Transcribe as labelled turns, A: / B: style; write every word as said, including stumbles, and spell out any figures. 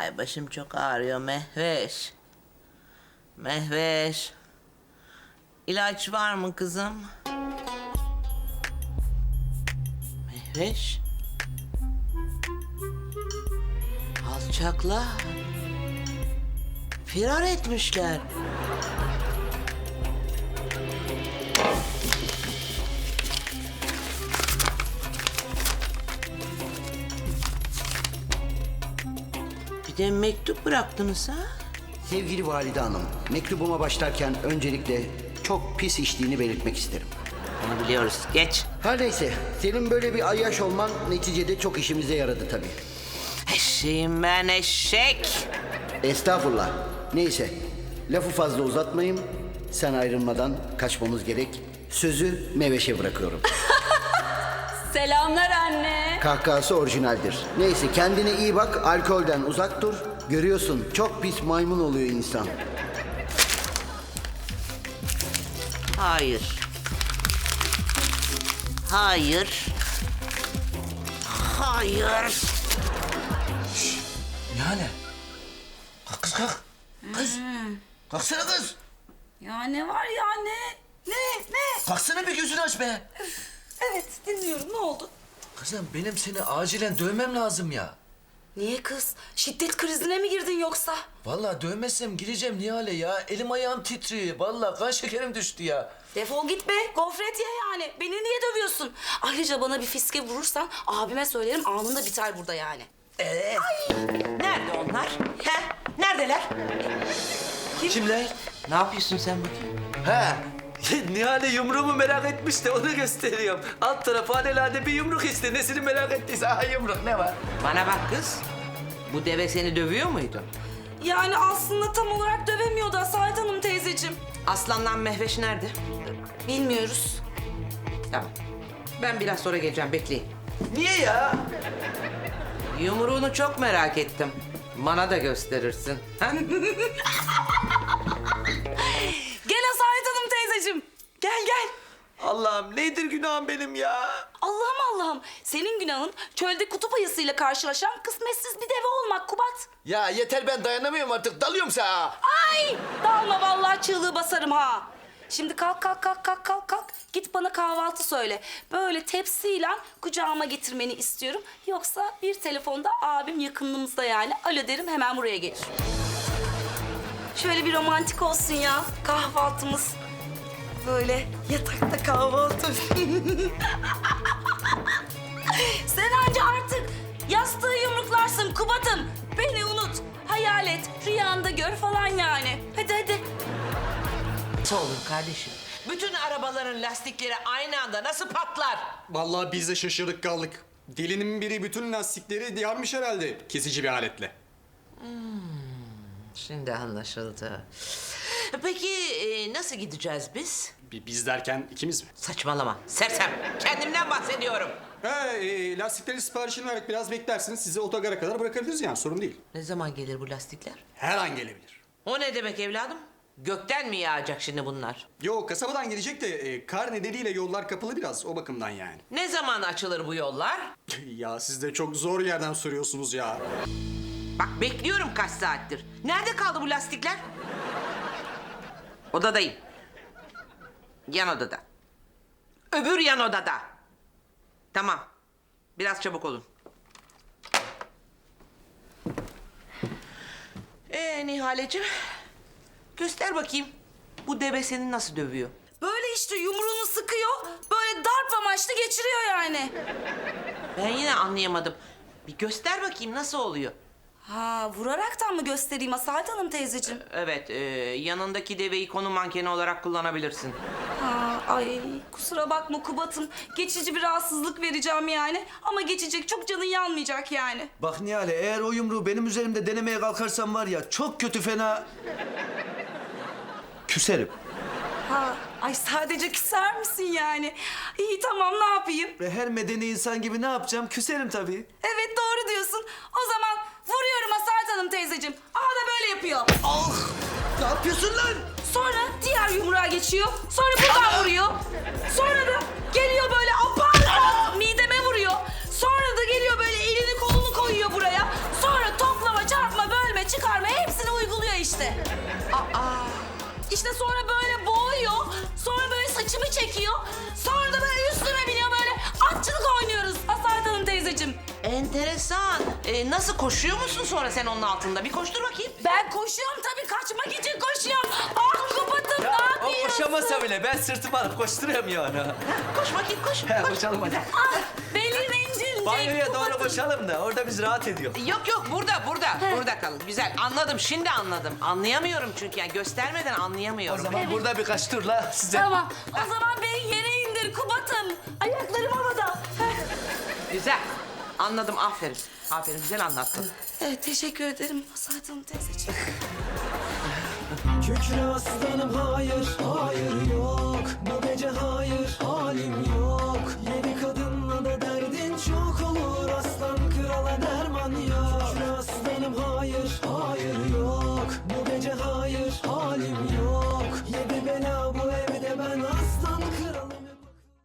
A: Ay başım çok ağrıyor Mehveş. Mehveş. İlaç var mı kızım? Mehveş. Alçaklar. Firar etmişler. Bir de mektup bıraktınız ha?
B: Sevgili Valide Hanım, mektubuma başlarken öncelikle çok pis içtiğini belirtmek isterim.
A: Onu biliyoruz. Geç.
B: Her neyse, senin böyle bir ayyaş olman neticede çok işimize yaradı tabii.
A: Eşeğim ben eşek.
B: Estağfurullah. Neyse, lafı fazla uzatmayayım. Sen ayrılmadan kaçmamız gerek. Sözü Meveş'e bırakıyorum.
C: Selamlar anne.
B: Kahkahası orijinaldir. Neyse, kendine iyi bak, alkolden uzak dur. Görüyorsun, çok pis maymun oluyor insan.
A: Hayır. Hayır. Hayır.
D: Nihale. Kalk kız kalk. Kız. Kalksana kız.
C: Ya ne var ya ne? Ne? Ne?
D: Kalksana bir gözünü aç be.
C: Evet dinliyorum ne oldu?
D: Kızım benim seni acilen dövmem lazım ya.
C: Niye kız? Şiddet krizine mi girdin yoksa?
D: Vallahi dövmezsem gireceğim Nihale ya. Elim ayağım titriyor. Vallahi kan şekerim düştü ya.
C: Defol git be. Gofret ye yani. Beni niye dövüyorsun? Ayrıca bana bir fiske vurursan abime söylerim anında biter burada yani.
A: Ee, nerede onlar? He? Neredeler?
D: Kimler?
A: Ne yapıyorsun sen bakayım?
D: He. Nihale yumruğumu merak etmiş de onu gösteriyorum. Alt tarafı alelade bir yumruk işte. Nesini merak ettiyse aha yumruk ne var?
A: Bana bak kız. Bu deve seni dövüyor muydu?
C: Yani aslında tam olarak dövemiyordu Asalet Hanım teyzeciğim.
A: Aslandan Mehveş nerede?
C: Bilmiyoruz.
A: Tamam. Ben biraz sonra geleceğim. Bekleyin.
D: Niye ya?
A: Yumruğunu çok merak ettim. Bana da gösterirsin. Ha?
C: Gel Asalet Hanım teyzeciğim. Gel gel.
D: Allah'ım nedir günahım benim ya?
C: Allah'ım Allah'ım. Senin günahın çölde kutup ayısıyla karşılaşan kısmetsiz bir deve olmak Kubat.
D: Ya yeter ben dayanamıyorum artık. Dalıyorum sana.
C: Ay! Dalma vallahi çığlığı basarım ha. Şimdi kalk kalk kalk kalk kalk kalk. Git bana kahvaltı söyle. Böyle tepsiyle kucağıma getirmeni istiyorum. Yoksa bir telefonda abim yakınımızda yani. Alo derim hemen buraya gelir. Şöyle bir romantik olsun ya kahvaltımız. Böyle yatakta kahvaltı. Sen anca artık yastığı yumruklarsın Kubat'ım. Beni unut, hayal et, rüyanda gör falan yani. Hadi hadi.
A: Nasıl olur kardeşim? Bütün arabaların lastikleri aynı anda nasıl patlar?
E: Vallahi biz de şaşırdık kaldık. Delinin biri bütün lastikleri yarmış herhalde kesici bir aletle.
A: Şimdi anlaşıldı. Peki e, nasıl gideceğiz biz?
E: Bi- Biz derken ikimiz mi?
A: Saçmalama. Sersem. Kendimden bahsediyorum.
E: He, e, lastikleri siparişini verdik. Biraz beklersiniz. Sizi otogara kadar bırakabiliriz yani. Sorun değil.
A: Ne zaman gelir bu lastikler?
E: Her an gelebilir.
A: O ne demek evladım? Gökten mi yağacak şimdi bunlar?
E: Yo, kasabadan gelecek de e, kar nedeniyle yollar kapalı biraz. O bakımdan yani.
A: Ne zaman açılır bu yollar?
E: Ya siz de çok zor yerden soruyorsunuz ya.
A: Bak bekliyorum kaç saattir. Nerede kaldı bu lastikler? Odadayım. Yan odada. Öbür yan odada. Tamam. Biraz çabuk olun. Ee Nihaleciğim. Göster bakayım. Bu deve seni nasıl dövüyor?
C: Böyle işte yumruğunu sıkıyor, böyle darp amaçlı geçiriyor yani.
A: Ben yine anlayamadım. Bir göster bakayım nasıl oluyor?
C: Ha, vuraraktan mı göstereyim Asalet Hanım teyzeciğim?
A: Evet, e, yanındaki deveyi konu mankeni olarak kullanabilirsin.
C: Ha, ay kusura bakma Kubat'ım. Geçici bir rahatsızlık vereceğim yani. Ama geçecek, çok canın yanmayacak yani.
D: Bak Nihale eğer o yumruğu benim üzerimde denemeye kalkarsan var ya çok kötü fena... Küserim.
C: Ha, ay sadece küser misin yani? İyi tamam ne yapayım?
D: Ve her medeni insan gibi ne yapacağım? Küserim tabii.
C: Evet doğru diyorsun. O zaman vuruyorum Asalet Hanım teyzeciğim. Aha da böyle yapıyor.
D: Ah! Ne yapıyorsun lan?
C: Sonra diğer yumruğa geçiyor. Sonra buradan vuruyor. Sonra da geliyor böyle apar mideme vuruyor. Sonra da geliyor böyle elini kolunu koyuyor buraya. Sonra toplama çarpma böyle
A: nasıl koşuyor musun sonra sen onun altında? Bir koştur bakayım.
C: Ben koşuyorum tabii, kaçmak için koşuyorum. Ah Kubat'ım, ne
D: O
C: yapıyorsun?
D: koşamasa bile ben sırtımı alıp koşturuyorum yani.
A: Koş bakayım koş.
D: He,
A: koş.
D: koşalım hadi.
C: Ah, belim incilecek
D: Banyoya doğru
C: Kubat'ım.
D: koşalım da orada biz rahat ediyor.
A: Yok yok burada burada burada kalın. Güzel anladım şimdi anladım. Anlayamıyorum çünkü yani göstermeden
D: O
A: anlayamıyorum.
D: zaman burada birkaç turla size...
C: Tamam, o zaman beni yere indir Kubat'ım. Ayaklarım havada.
A: Güzel. Anladım aferin. Aferin güzel anlattın.
C: Evet, teşekkür ederim Saydam teyzeciğim.
F: Kükre aslanım hayır, hayır yok